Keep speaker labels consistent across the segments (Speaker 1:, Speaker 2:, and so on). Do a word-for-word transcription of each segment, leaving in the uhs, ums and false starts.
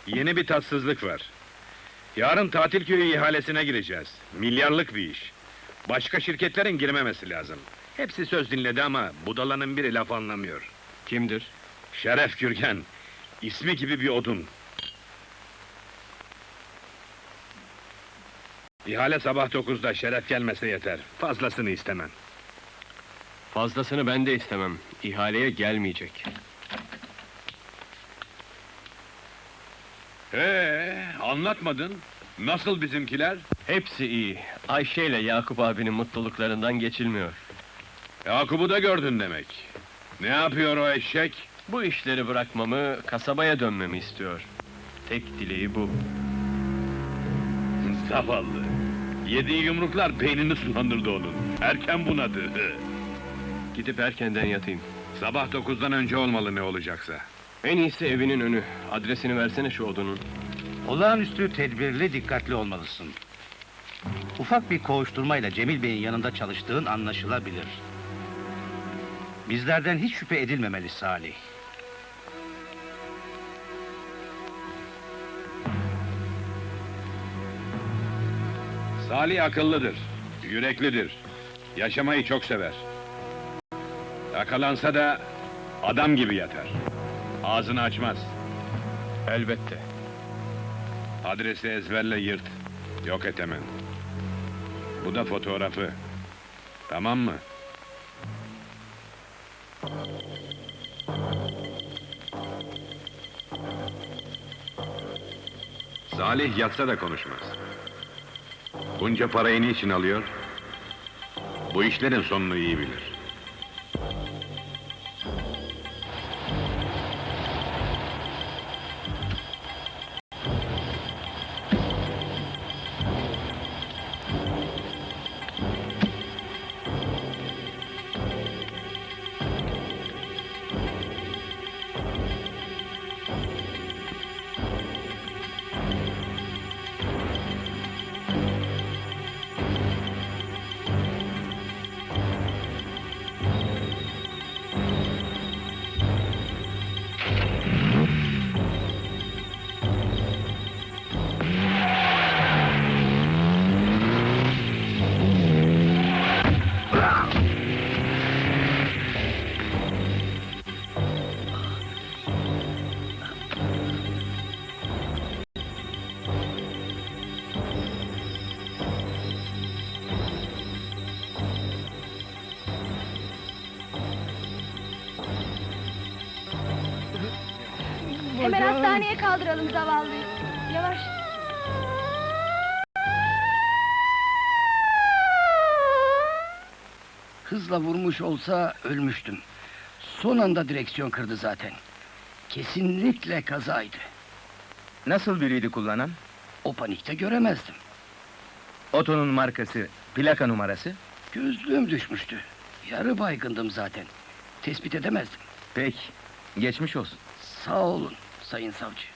Speaker 1: Yeni bir tatsızlık var. Yarın tatil köyü ihalesine gireceğiz. Milyarlık bir iş. Başka şirketlerin girmemesi lazım. Hepsi söz dinledi ama budalanın biri laf anlamıyor.
Speaker 2: Kimdir?
Speaker 1: Şeref Gürgen. İsmi gibi bir odun. İhale sabah dokuzda, Şeref gelmese yeter. Fazlasını istemem.
Speaker 2: Fazlasını ben de istemem. İhaleye gelmeyecek.
Speaker 1: Ee, anlatmadın. Nasıl bizimkiler?
Speaker 2: Hepsi iyi. Ayşe ile Yakup abinin mutluluklarından geçilmiyor.
Speaker 1: Yakup'u da gördün demek. Ne yapıyor o eşek?
Speaker 2: Bu işleri bırakmamı, kasabaya dönmemi istiyor. Tek dileği bu.
Speaker 1: Zavallı. Yediği yumruklar beynini sulandırdı onun. Erken bunadı.
Speaker 2: Gidip erkenden yatayım.
Speaker 1: Sabah dokuzdan önce olmalı ne olacaksa.
Speaker 2: En iyisi evinin önü. Adresini versene şu odunun.
Speaker 3: Olağanüstü tedbirli, dikkatli olmalısın. Ufak bir koğuşturmayla Cemil Bey'in yanında çalıştığın anlaşılabilir. Bizlerden hiç şüphe edilmemeli Salih.
Speaker 1: Salih akıllıdır, yüreklidir. Yaşamayı çok sever. Yakalansa da adam gibi yatar. Ağzını açmaz.
Speaker 2: Elbette.
Speaker 1: Adresi ezberle yırt. Yok et hemen. Bu da fotoğrafı. Tamam mı? Salih yatsa da konuşmaz. Bunca parayı niçin alıyor? Bu işlerin sonunu iyi bilir.
Speaker 4: Hemen hastaneye kaldıralım zavallıyı. Yavaş.
Speaker 5: Hızla vurmuş olsa ölmüştüm. Son anda direksiyon kırdı zaten. Kesinlikle kazaydı.
Speaker 6: Nasıl biriydi kullanan?
Speaker 5: O panikte göremezdim.
Speaker 6: Otonun markası, plaka numarası?
Speaker 5: Gözlüğüm düşmüştü. Yarı baygındım zaten. Tespit edemezdim.
Speaker 6: Peki, geçmiş olsun.
Speaker 5: Sağ olun sayın savcı.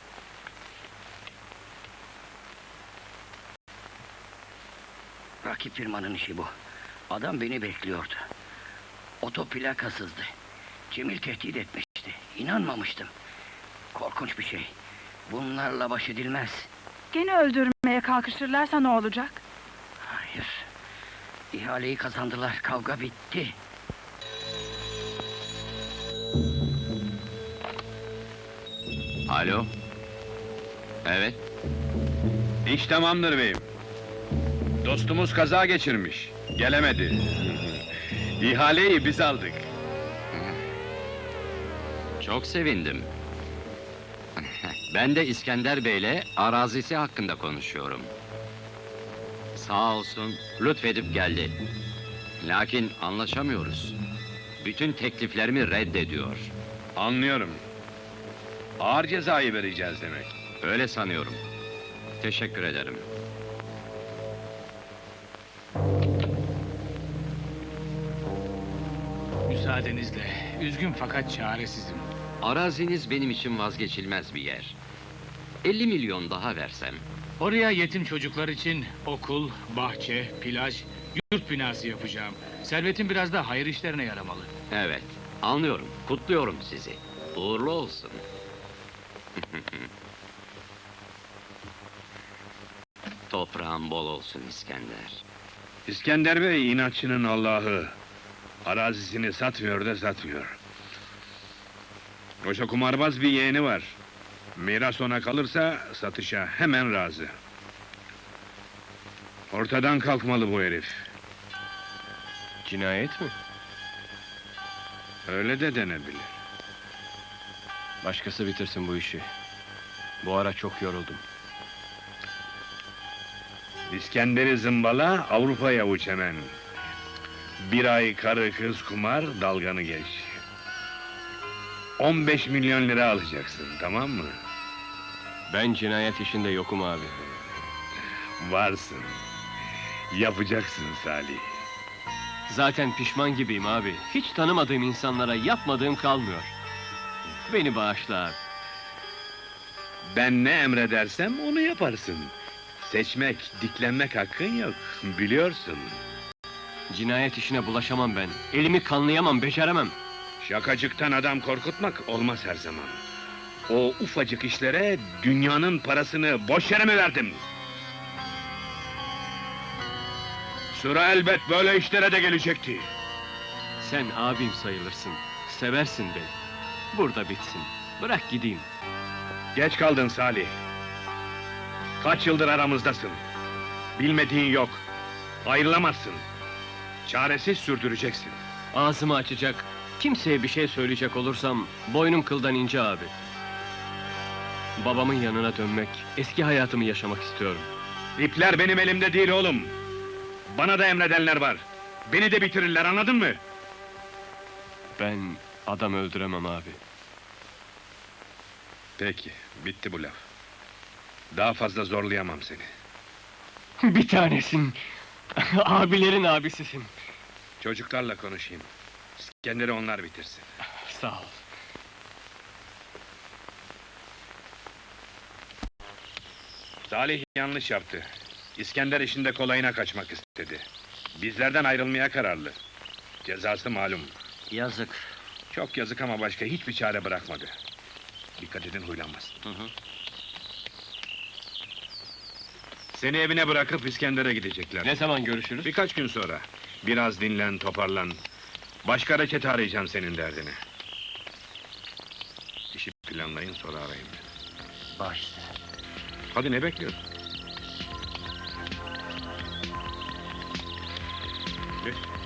Speaker 5: Rakip firmanın işi bu. Adam beni bekliyordu. Oto plakasızdı. Cemil tehdit etmişti. İnanmamıştım. Korkunç bir şey. Bunlarla baş edilmez.
Speaker 4: Gene öldürmeye kalkışırlarsa ne olacak?
Speaker 5: Hayır. İhaleyi kazandılar. Kavga bitti.
Speaker 1: Alo? Evet? İş tamamdır beyim. Dostumuz kaza geçirmiş. Gelemedi. İhaleyi biz aldık.
Speaker 7: Çok sevindim. Ben de İskender Bey'le arazisi hakkında konuşuyorum. Sağ olsun, lütfedip geldi. Lakin anlaşamıyoruz. Bütün tekliflerimi reddediyor.
Speaker 1: Anlıyorum. Ağır cezayı vereceğiz demek.
Speaker 7: Öyle sanıyorum. Teşekkür ederim.
Speaker 8: Müsaadenizle, üzgün fakat çaresizim.
Speaker 7: Araziniz benim için vazgeçilmez bir yer. elli milyon daha versem.
Speaker 8: Oraya yetim çocuklar için okul, bahçe, plaj, yurt binası yapacağım. Servetim biraz da hayır işlerine yaramalı.
Speaker 7: Evet, anlıyorum, kutluyorum sizi. Uğurlu olsun. Toprağın bol olsun İskender.
Speaker 1: İskender Bey inatçının Allah'ı. Arazisini satmıyor da satmıyor. Oysa kumarbaz bir yeğeni var. Miras ona kalırsa satışa hemen razı. Ortadan kalkmalı bu herif.
Speaker 2: Cinayet mi?
Speaker 1: Öyle de denebilir.
Speaker 2: Başkası bitirsin bu işi. Bu ara çok yoruldum.
Speaker 1: İskender'i zımbala, Avrupa'ya uç hemen. Bir ay karı kız kumar, dalganı geç. on beş milyon lira alacaksın, tamam mı?
Speaker 2: Ben cinayet işinde yokum abi.
Speaker 1: Varsın. Yapacaksın Salih.
Speaker 2: Zaten pişman gibiyim abi. Hiç tanımadığım insanlara yapmadığım kalmıyor. Beni bağışla abi.
Speaker 1: Ben ne emredersem onu yaparsın. Seçmek, diklenmek hakkın yok, biliyorsun.
Speaker 2: Cinayet işine bulaşamam ben. Elimi kanlayamam, beceremem.
Speaker 1: Şakacıktan adam korkutmak olmaz her zaman. O ufacık işlere dünyanın parasını boş yere mi verdim? Sıra elbet böyle işlere de gelecekti.
Speaker 2: Sen abim sayılırsın. Seversin beni. Burada bitsin. Bırak gideyim.
Speaker 1: Geç kaldın Salih. Kaç yıldır aramızdasın. Bilmediğin yok. Ayrılamazsın. Çaresiz sürdüreceksin.
Speaker 2: Ağzımı açacak, kimseye bir şey söyleyecek olursam boynum kıldan ince abi. Babamın yanına dönmek, eski hayatımı yaşamak istiyorum.
Speaker 1: İpler benim elimde değil oğlum. Bana da emredenler var. Beni de bitirirler, anladın mı?
Speaker 2: Ben adam öldüremem abi.
Speaker 1: Peki, bitti bu laf. Daha fazla zorlayamam seni.
Speaker 2: Bir tanesin. Abilerin abisisin.
Speaker 1: Çocuklarla konuşayım. İskender'i onlar bitirsin.
Speaker 2: Sağ ol.
Speaker 1: Salih yanlış yaptı. İskender işinde kolayına kaçmak istedi. Bizlerden ayrılmaya kararlı. Cezası malum.
Speaker 5: Yazık.
Speaker 1: Çok yazık ama başka hiçbir çare bırakmadı. Dikkat edin, huylanmasın.
Speaker 5: Hı hı.
Speaker 1: Seni evine bırakıp İskender'e gidecekler.
Speaker 2: Ne zaman görüşürüz?
Speaker 1: Birkaç gün sonra. Biraz dinlen, toparlan. Başka reçete arayacağım senin derdine. İşi planlayın, sonra arayın beni.
Speaker 5: Baş üstüne.
Speaker 1: Hadi, ne bekliyorsun? Geç.